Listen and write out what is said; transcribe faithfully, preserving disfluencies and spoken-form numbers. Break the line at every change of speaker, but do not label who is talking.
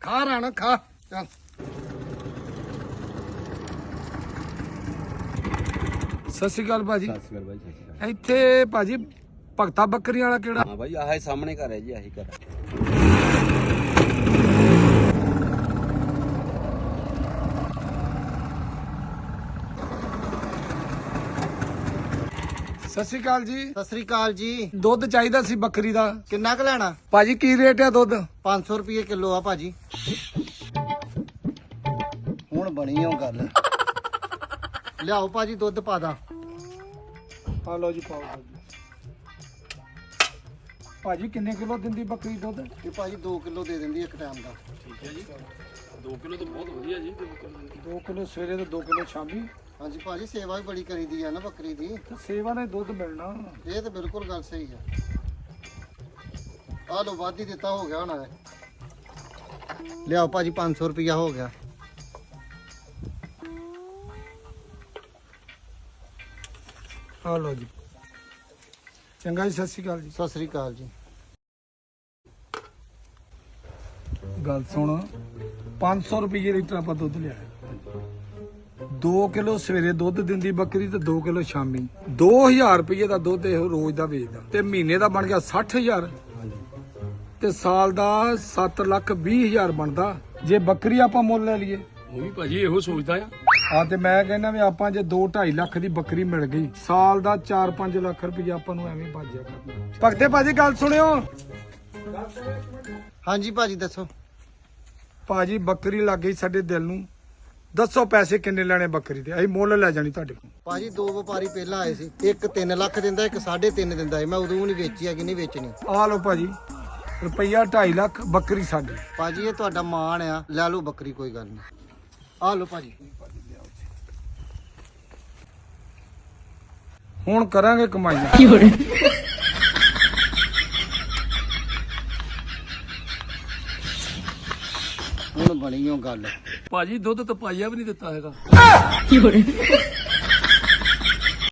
ਖਾ ਰਾਣਾ ਖਾ ਚੱਲ। ਸਤਿ ਸ਼੍ਰੀ ਅਕਾਲ ਭਾਜੀ।
ਸਤਿ ਸ਼੍ਰੀ ਅਕਾਲ ਬਾਈ, ਸਤਿ ਸ਼੍ਰੀ ਅਕਾਲ।
ਇੱਥੇ ਭਾਜੀ ਭਗਤਾ ਬੱਕਰੀਆਂ ਵਾਲਾ ਕਿਹੜਾ?
ਹਾਂ ਬਾਈ, ਆਹ ਸਾਹਮਣੇ ਘਰ ਹੈ ਜੀ, ਆਹੀ ਘਰ ਹੈ।
ਸਤਿ ਸ਼੍ਰੀ ਅਕਾਲ ਜੀ।
ਸਤਿ ਸ੍ਰੀ ਅਕਾਲ ਜੀ।
ਦੁੱਧ ਚਾਹੀਦਾ ਸੀ ਬੱਕਰੀ ਦਾ।
ਕਿੰਨਾ ਕੁ ਲੈਣਾ?
ਭਾਜੀ ਕੀ ਰੇਟ ਹੈ ਦੁੱਧ?
ਪੰਜ ਸੌ ਰੁਪਏ ਕਿਲੋ ਆ ਭਾਜੀ। ਹੁਣ ਬਣੀ ਉਹ ਗੱਲ। ਲਿਆਓ ਭਾਜੀ ਦੁੱਧ ਪਾ ਦਾਂ।
ਆ ਲਓ ਜੀ ਪਾਓ ਭਾਜੀ। ਭਾਜੀ ਕਿੰਨੇ ਕਿਲੋ ਦਿੰਦੀ ਬੱਕਰੀ ਦੁੱਧ?
ਇਹ ਭਾਜੀ ਦੋ ਕਿਲੋ ਦੇ ਦਿੰਦੀ ਇੱਕ ਟਾਈਮ ਦਾ।
ਠੀਕ ਹੈ ਜੀ, ਦੋ ਕਿਲੋ ਤਾਂ ਬਹੁਤ ਵਧੀਆ ਜੀ।
ਦੋ ਕਿਲੋ ਸਵੇਰੇ ਤੇ ਦੋ ਕਿਲੋ ਸ਼ਾਮੀ।
ਹਾਂਜੀ ਭਾਜੀ, ਸੇਵਾ ਵੀ ਬੜੀ ਕਰੀਦੀ ਆ ਨਾ ਬੱਕਰੀ ਦੀ।
ਤੇ ਸੇਵਾ ਨੇ ਦੁੱਧ ਮਿਲਣਾ।
ਇਹ ਤਾਂ ਬਿਲਕੁਲ ਗੱਲ ਸਹੀ ਆ। ਆ ਲੋ ਵੱਧ ਹੀ ਦਿੱਤਾ, ਹੋ ਗਿਆ ਹੋਣਾ ਇਹ। ਲਿਆਓ ਭਾਜੀ ਪੰਜ ਸੌ ਰੁਪਇਆ ਹੋ ਗਿਆ।
ਆ ਲਓ ਜੀ। ਚੰਗਾ ਜੀ, ਸਤਿ ਸ਼੍ਰੀ ਅਕਾਲ ਜੀ।
ਸਤਿ ਸ੍ਰੀ ਅਕਾਲ ਜੀ।
ਗੱਲ ਸੁਣ, ਪੰਜ ਸੌ ਰੁਪਏ ਲੀਟਰ ਆਪਾਂ ਦੁੱਧ ਲਿਆ। ਦੋ ਕਿਲੋ ਸਵੇਰੇ ਦੁੱਧ ਦਿੰਦੀ ਬੱਕਰੀ ਤੇ ਦੋ ਕਿਲੋ ਸ਼ਾਮੀ। ਦੋ ਹਜ਼ਾਰ ਰੁਪਏ ਦਾ ਦੁੱਧ ਇਹ ਰੋਜ਼ ਦਾ ਵੇਚਦਾ ਤੇ ਮਹੀਨੇ ਦਾ ਬਣ ਗਿਆ ਸੱਠ ਹਜ਼ਾਰ ਤੇ ਸਾਲ ਦਾ ਸੱਤ ਲੱਖ ਵੀਹ ਹਜ਼ਾਰ ਬਣਦਾ ਜੇ ਬੱਕਰੀ ਆਪਾਂ ਮੁੱਲ ਲੈ ਲਈਏ।
ਉਹ ਵੀ ਭਾਜੀ ਇਹੋ ਸੋਚਦਾ ਆ।
ਆ ਤੇ ਮੈਂ ਕਹਿੰਦਾ ਵੀ ਆਪਾਂ ਜੇ ਦੋ ਢਾਈ ਲੱਖ ਦੀ ਬੱਕਰੀ ਮਿਲ ਗਈ, ਸਾਲ ਦਾ ਚਾਰ ਪੰਜ ਲੱਖ ਰੁਪਏ ਆਪਾਂ ਨੂੰ ਐਵੇਂ ਬਾਜਿਆ ਕਰਨਾ। ਭਗਤੇ ਭਾਜੀ ਗੱਲ ਸੁਣਿਓ।
ਹਾਂਜੀ ਭਾਜੀ ਦੱਸੋ।
ਭਾਜੀ ਬੱਕਰੀ ਲੱਗ ਗਈ ਸਾਡੇ ਦਿਲ ਨੂੰ। ਦੱਸੋ ਪੈਸੇ ਕਿੰਨੇ ਲੈਣੇ ਬੱਕਰੀ ਦੇ? ਅਸੀਂ ਮੁੱਲ ਲੈ ਜਾਣੀ ਤੁਹਾਡੇ ਕੋਲ।
ਭਾਜੀ ਦੋ ਵਪਾਰੀ ਪਹਿਲਾਂ ਆਏ ਸੀ, ਇੱਕ ਤਿੰਨ ਲੱਖ ਦਿੰਦਾ, ਇੱਕ ਸਾਢੇ ਤਿੰਨ ਦਿੰਦਾ ਸੀ। ਮੈਂ ਉਦੋਂ ਨਹੀਂ ਵੇਚੀ ਹੈਗੀ, ਨਹੀਂ ਵੇਚਣੀ।
ਆ ਲਓ ਭਾਜੀ, ਰੁਪਈਆ ਢਾਈ ਲੱਖ ਬੱਕਰੀ ਸਾਡੀ।
ਭਾਜੀ ਇਹ ਤੁਹਾਡਾ ਮਾਣ ਆ, ਲੈ ਲਓ ਬੱਕਰੀ, ਕੋਈ ਗੱਲ ਨਹੀਂ। ਆ ਲਓ ਭਾਜੀ।
ਹੁਣ ਕਰਾਂਗੇ ਕਮਾਈਆਂ।
ਹੁਣ ਬਣੀ ਉਹ ਗੱਲ।
ਭਾਜੀ ਦੁੱਧ ਤਾਂ ਪਾਈਆ ਵੀ ਨਹੀਂ ਦਿੱਤਾ ਹੈਗਾ।